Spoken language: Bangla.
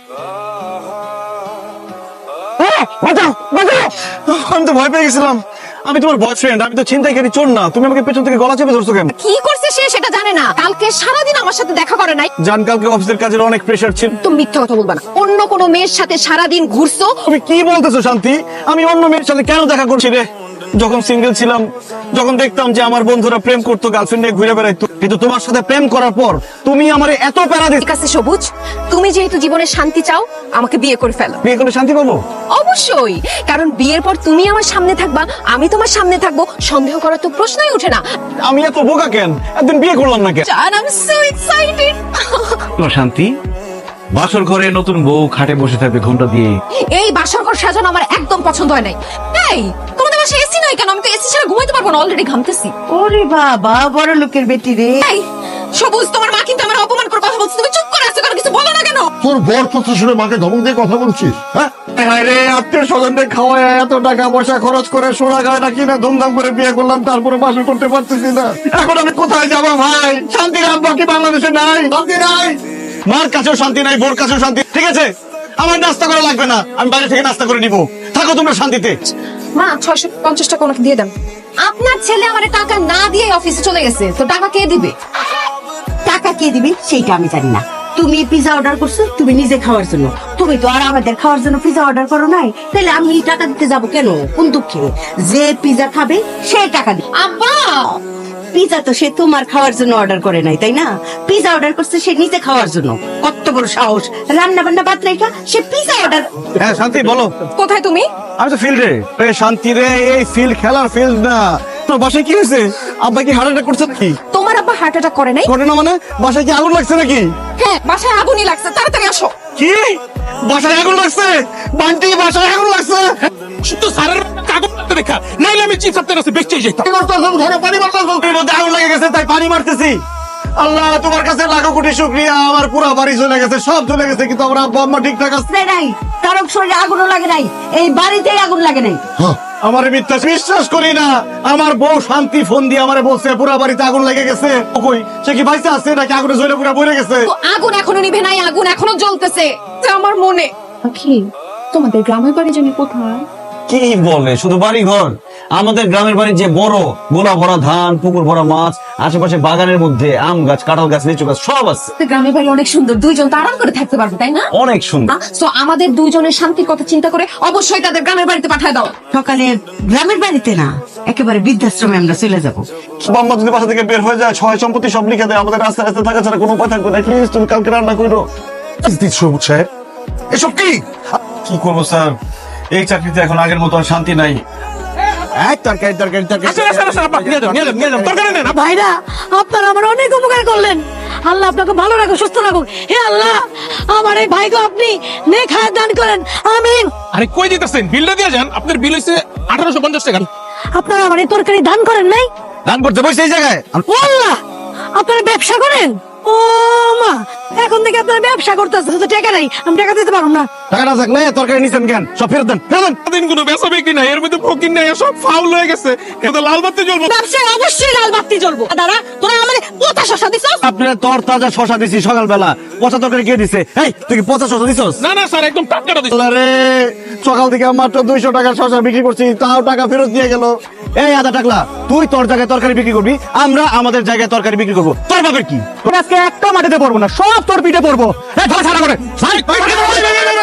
আমি তো ভয় পেয়ে গেছিলাম। আমি তোমার বয়ফ্রেন্ড, আমি তো ছিনতাইকারী চোর না। তুমি আমাকে পেছন থেকে গলা চেপে ধরছো কেন? কি করছে সে সেটা জানে না। কালকে সারাদিন আমার সাথে দেখা করে নাই। জান, কালকে অফিসের কাজের অনেক প্রেসার ছিল। তুমি মিথ্যা কথা বলবা না। অন্য কোনো মেয়ের সাথে সারাদিন ঘুরছো। তুমি কি বলতেছো শান্তি? আমি অন্য মেয়ের সাথে কেন দেখা করছি রে? যখন সিঙ্গেল ছিলাম, যখন দেখতাম যে আমার বন্ধুরা প্রেম করতো, গার্লফ্রেন্ড নিয়ে ঘুরে বেড়াইতো, কিন্তু তোমার সাথে প্রেম করার পর তুমি আমারে এত প্যারা দিচ্ছ। ঠিক আছে সবুজ, তুমি যেহেতু জীবনে শান্তি চাও, আমাকে বিয়ে করে ফেলো। বিয়ে করলে শান্তি পাবো? অবশ্যই, কারণ বিয়ের পর তুমি আমার সামনে থাকবা, আমি তোমার সামনে থাকবো, সন্দেহ করার তো প্রশ্নই ওঠে না। আমি এত বোকা কেন? একদিন বিয়ে করলাম না কেন? জান, আই এম সো এক্সাইটেড। শান্তি, বাসর ঘরে নতুন বউ খাটে বসে থাকবে ঘন্টা দিয়ে। এই বাসর ঘর সাজানো আমার একদম পছন্দ হয় নাই। এই তোমাদের বাসায় এসি নাই কেন? আমি তো এসি ছাড়া ঘুমাইতে পারবো না, অলরেডি ঘামতেছি। ওরে বাবা, বড় লোকের বেটি রে। এই সবুজ, তোমার মা কিন্তু আমার অপমান করে কথা বলছে, তুমি চুপ করে আছো কেন? কিছু বলো না কেন? তোর বর কথা শুনে মাকে ধমক দিয়ে কথা বলছিস? হ্যাঁ, রে আত্মীয় স্বজনদের খাওয়ায় এত টাকা পয়সা খরচ করে সোনা গয়না কিনে ধুমধাম করে বিয়ে করলাম, তারপরে বাসর করতে পারতেছি না। এখন আমি কোথায় যাবো ভাই? শান্তির আব্বা কি বাংলাদেশে নাই? শান্তি নাই, মার কাছেও শান্তি নাই, বোর কাছেও শান্তি। ঠিক আছে, আমার নাস্তা করা লাগবে না, আমি বাইরে থেকে নাস্তা করে নিবো। থাকো তোমরা শান্তিতে। মা, 650 টাকা ওনাকে দিয়ে দেন। আপনার ছেলে আমারে টাকা না দিয়ে অফিসে চলে গেছে, তো টাকা কে দিবে? টাকা কে দিবে সেইটা আমি জানি না। তুমি পিজা অর্ডার করছো তুমি নিজে খাওয়ার জন্য, তুমি তো আর আমাদের খাওয়ার জন্য পিজা অর্ডার করো নাই। তাহলে আমি টাকা দিতে যাব কেন? কোন দুঃখে? যে পিজা খাবে সে টাকা দিবে। আব্বা, পিজা তো সে তোমার খাওয়ার জন্য অর্ডার করে নাই, তাই না? পিজা অর্ডার করছে সে নিজে খাওয়ার জন্য। কত বড় সাহস! রান্না বান্না বাদ রাইখা সে পিজা অর্ডার। হ্যাঁ শান্তি, বলো। কোথায় তুমি? আমি তো ফিল্ডে। শান্তি রে, এই ফিল্ড খেলার ফিল্ড না। তোর বাসায় কি হয়েছে? আব্বা কি হার্ট অ্যাটাক করছে নাকি? তোমার আব্বা হার্ট অ্যাটাক করে নাই? ঘটনা মানে বাসায় কি আগুন লাগছে নাকি? হ্যাঁ, বাসায় আগুনই লাগছে, তাড়াতাড়ি আসো। কি বাসায় আগুন লাগছে? বান্টি, বাসায় আগুন লাগছে? শুধু স্যারের কাগজ লাগতে দেখা, নাইলে আমি চিপস আপনার কাছে বেচতে যেতাম। পানি মারতেছো, এর মধ্যে আগুন লেগে গেছে তাই পানি মারতেছি। আল্লাহ, তোমার কাছে লাখো কোটি শুকরিয়া। আমার পুরো বাড়ি চলে গেছে, সব চলে গেছে, কিন্তু আমার আব্বা আম্মা ঠিকঠাক আছে। নাই, কারো শরীরে আগুনও লাগে নাই, এই বাড়িতেই আগুন লাগে নাই। আমার মিথ্যা বিশ্বাস করি না। আমার বউ শান্তি ফোন দিয়ে আমারে বলছে পুরো বাড়িতে আগুন লেগে গেছে। কই, সে কি বাইসে আছে নাকি আগুনে জ্বলে পুরো পড়ে গেছে? তো আগুন এখনো নিভে নাই, আগুন এখনো জ্বলতেছে। তো আমার মনে কি, তোমাদের গ্রামের বাড়ি জানি কোথায়? কি বলে, শুধু বাড়ি ঘর? আমাদের গ্রামের বাড়ি যে বড়, গোলা ভরা ধান, পুকুর ভরা মাছ, আশেপাশে বাগানের মধ্যে আম গাছ, কাঁঠাল গাছ, লিচু গাছ সব আছে। গ্রামের বাড়ি অনেক সুন্দর, দুইজন তো আরাম করে থাকতে পারবে, তাই না? অনেক সুন্দর। তো আমাদের দুইজনের শান্তির কথা চিন্তা করে অবশ্যই তাদের গ্রামের বাড়িতে পাঠায় দাও। সকালে গ্রামের বাড়িতে না, একেবারে বৃদ্ধাশ্রমে আমরা চলে যাবো। বাম্মা যদি বাসা থেকে বের হয়ে যায়, ছয় সম্পত্তি সব লিখে দেয়, আমাদের রাস্তায় রাস্তায় থাকা ছাড়া কোনো উপায় থাকবে না। প্লিজ তুমি কালকে রান্না করো। সবুজ সাহেব, এসব কি? কি করবো স্যার, এই চাকরিতে এখন আগের মতো আর শান্তি নাই। তরকারি তরকারি তরকারি। আসেন আসেন আসেন, আপা নিয়ে যান নিয়ে যান নিয়ে যান, তরকারি নেন। ভাইরা, আপনারা আমার অনেক উপকার করলেন। আল্লাহ আপনাকে ভালো রাখুক, সুস্থ রাখুক। হে আল্লাহ, আমার এই ভাইকে আপনি নেক হায়াত দান করেন, আমিন। আরে কই দিতেছেন? বিলটা দিয়ে যান। আপনার বিল হইছে 1850 টাকা। আপনারা আমার এই তরকারি দান করেন নাই? দান করতে বসে এই জায়গায়? ও আল্লাহ, আপনারা ব্যবসা করেন? ও মা, এখন থেকে আপনারা ব্যবসা করতেছেন, তো টাকা নাই, আমি টাকা দিতে পারবো না। টাকা না থাকলে তরকারি নিছেন কেন? সব ফেরত দেন, ফেরত দেন। দিন কোনো বেচা বিক্রি নাই, এর মধ্যে ফকির নাই, সব ফাউল হয়ে গেছে। এটা লাল বাতি জ্বলবো। ব্যবসায় অবশ্যই লাল বাতি জ্বলবো। দাদা, তোরা আমার পোতা শশা দিছস? আপনার তর তাজা শশা দিছি সকালবেলা, পচা তরকারি কে দিছে? এই তুই কি পচা শশা দিছস? না না স্যার, একদম টাটকাটা দিচ্ছি। আরে সকাল থেকে মাত্র 200 টাকার শশা বিক্রি করছি, তাও টাকা ফেরত দিয়ে গেল। এই আদা টাকলা, তুই তোর জায়গায় তরকারি বিক্রি করবি, আমরা আমাদের জায়গায় তরকারি বিক্রি করবো। তোর বাপের কি? আজকে একটা মাটিতে পড়বো না, সব তোর পিঠে পড়বো। এই ধর ছাড়া করে।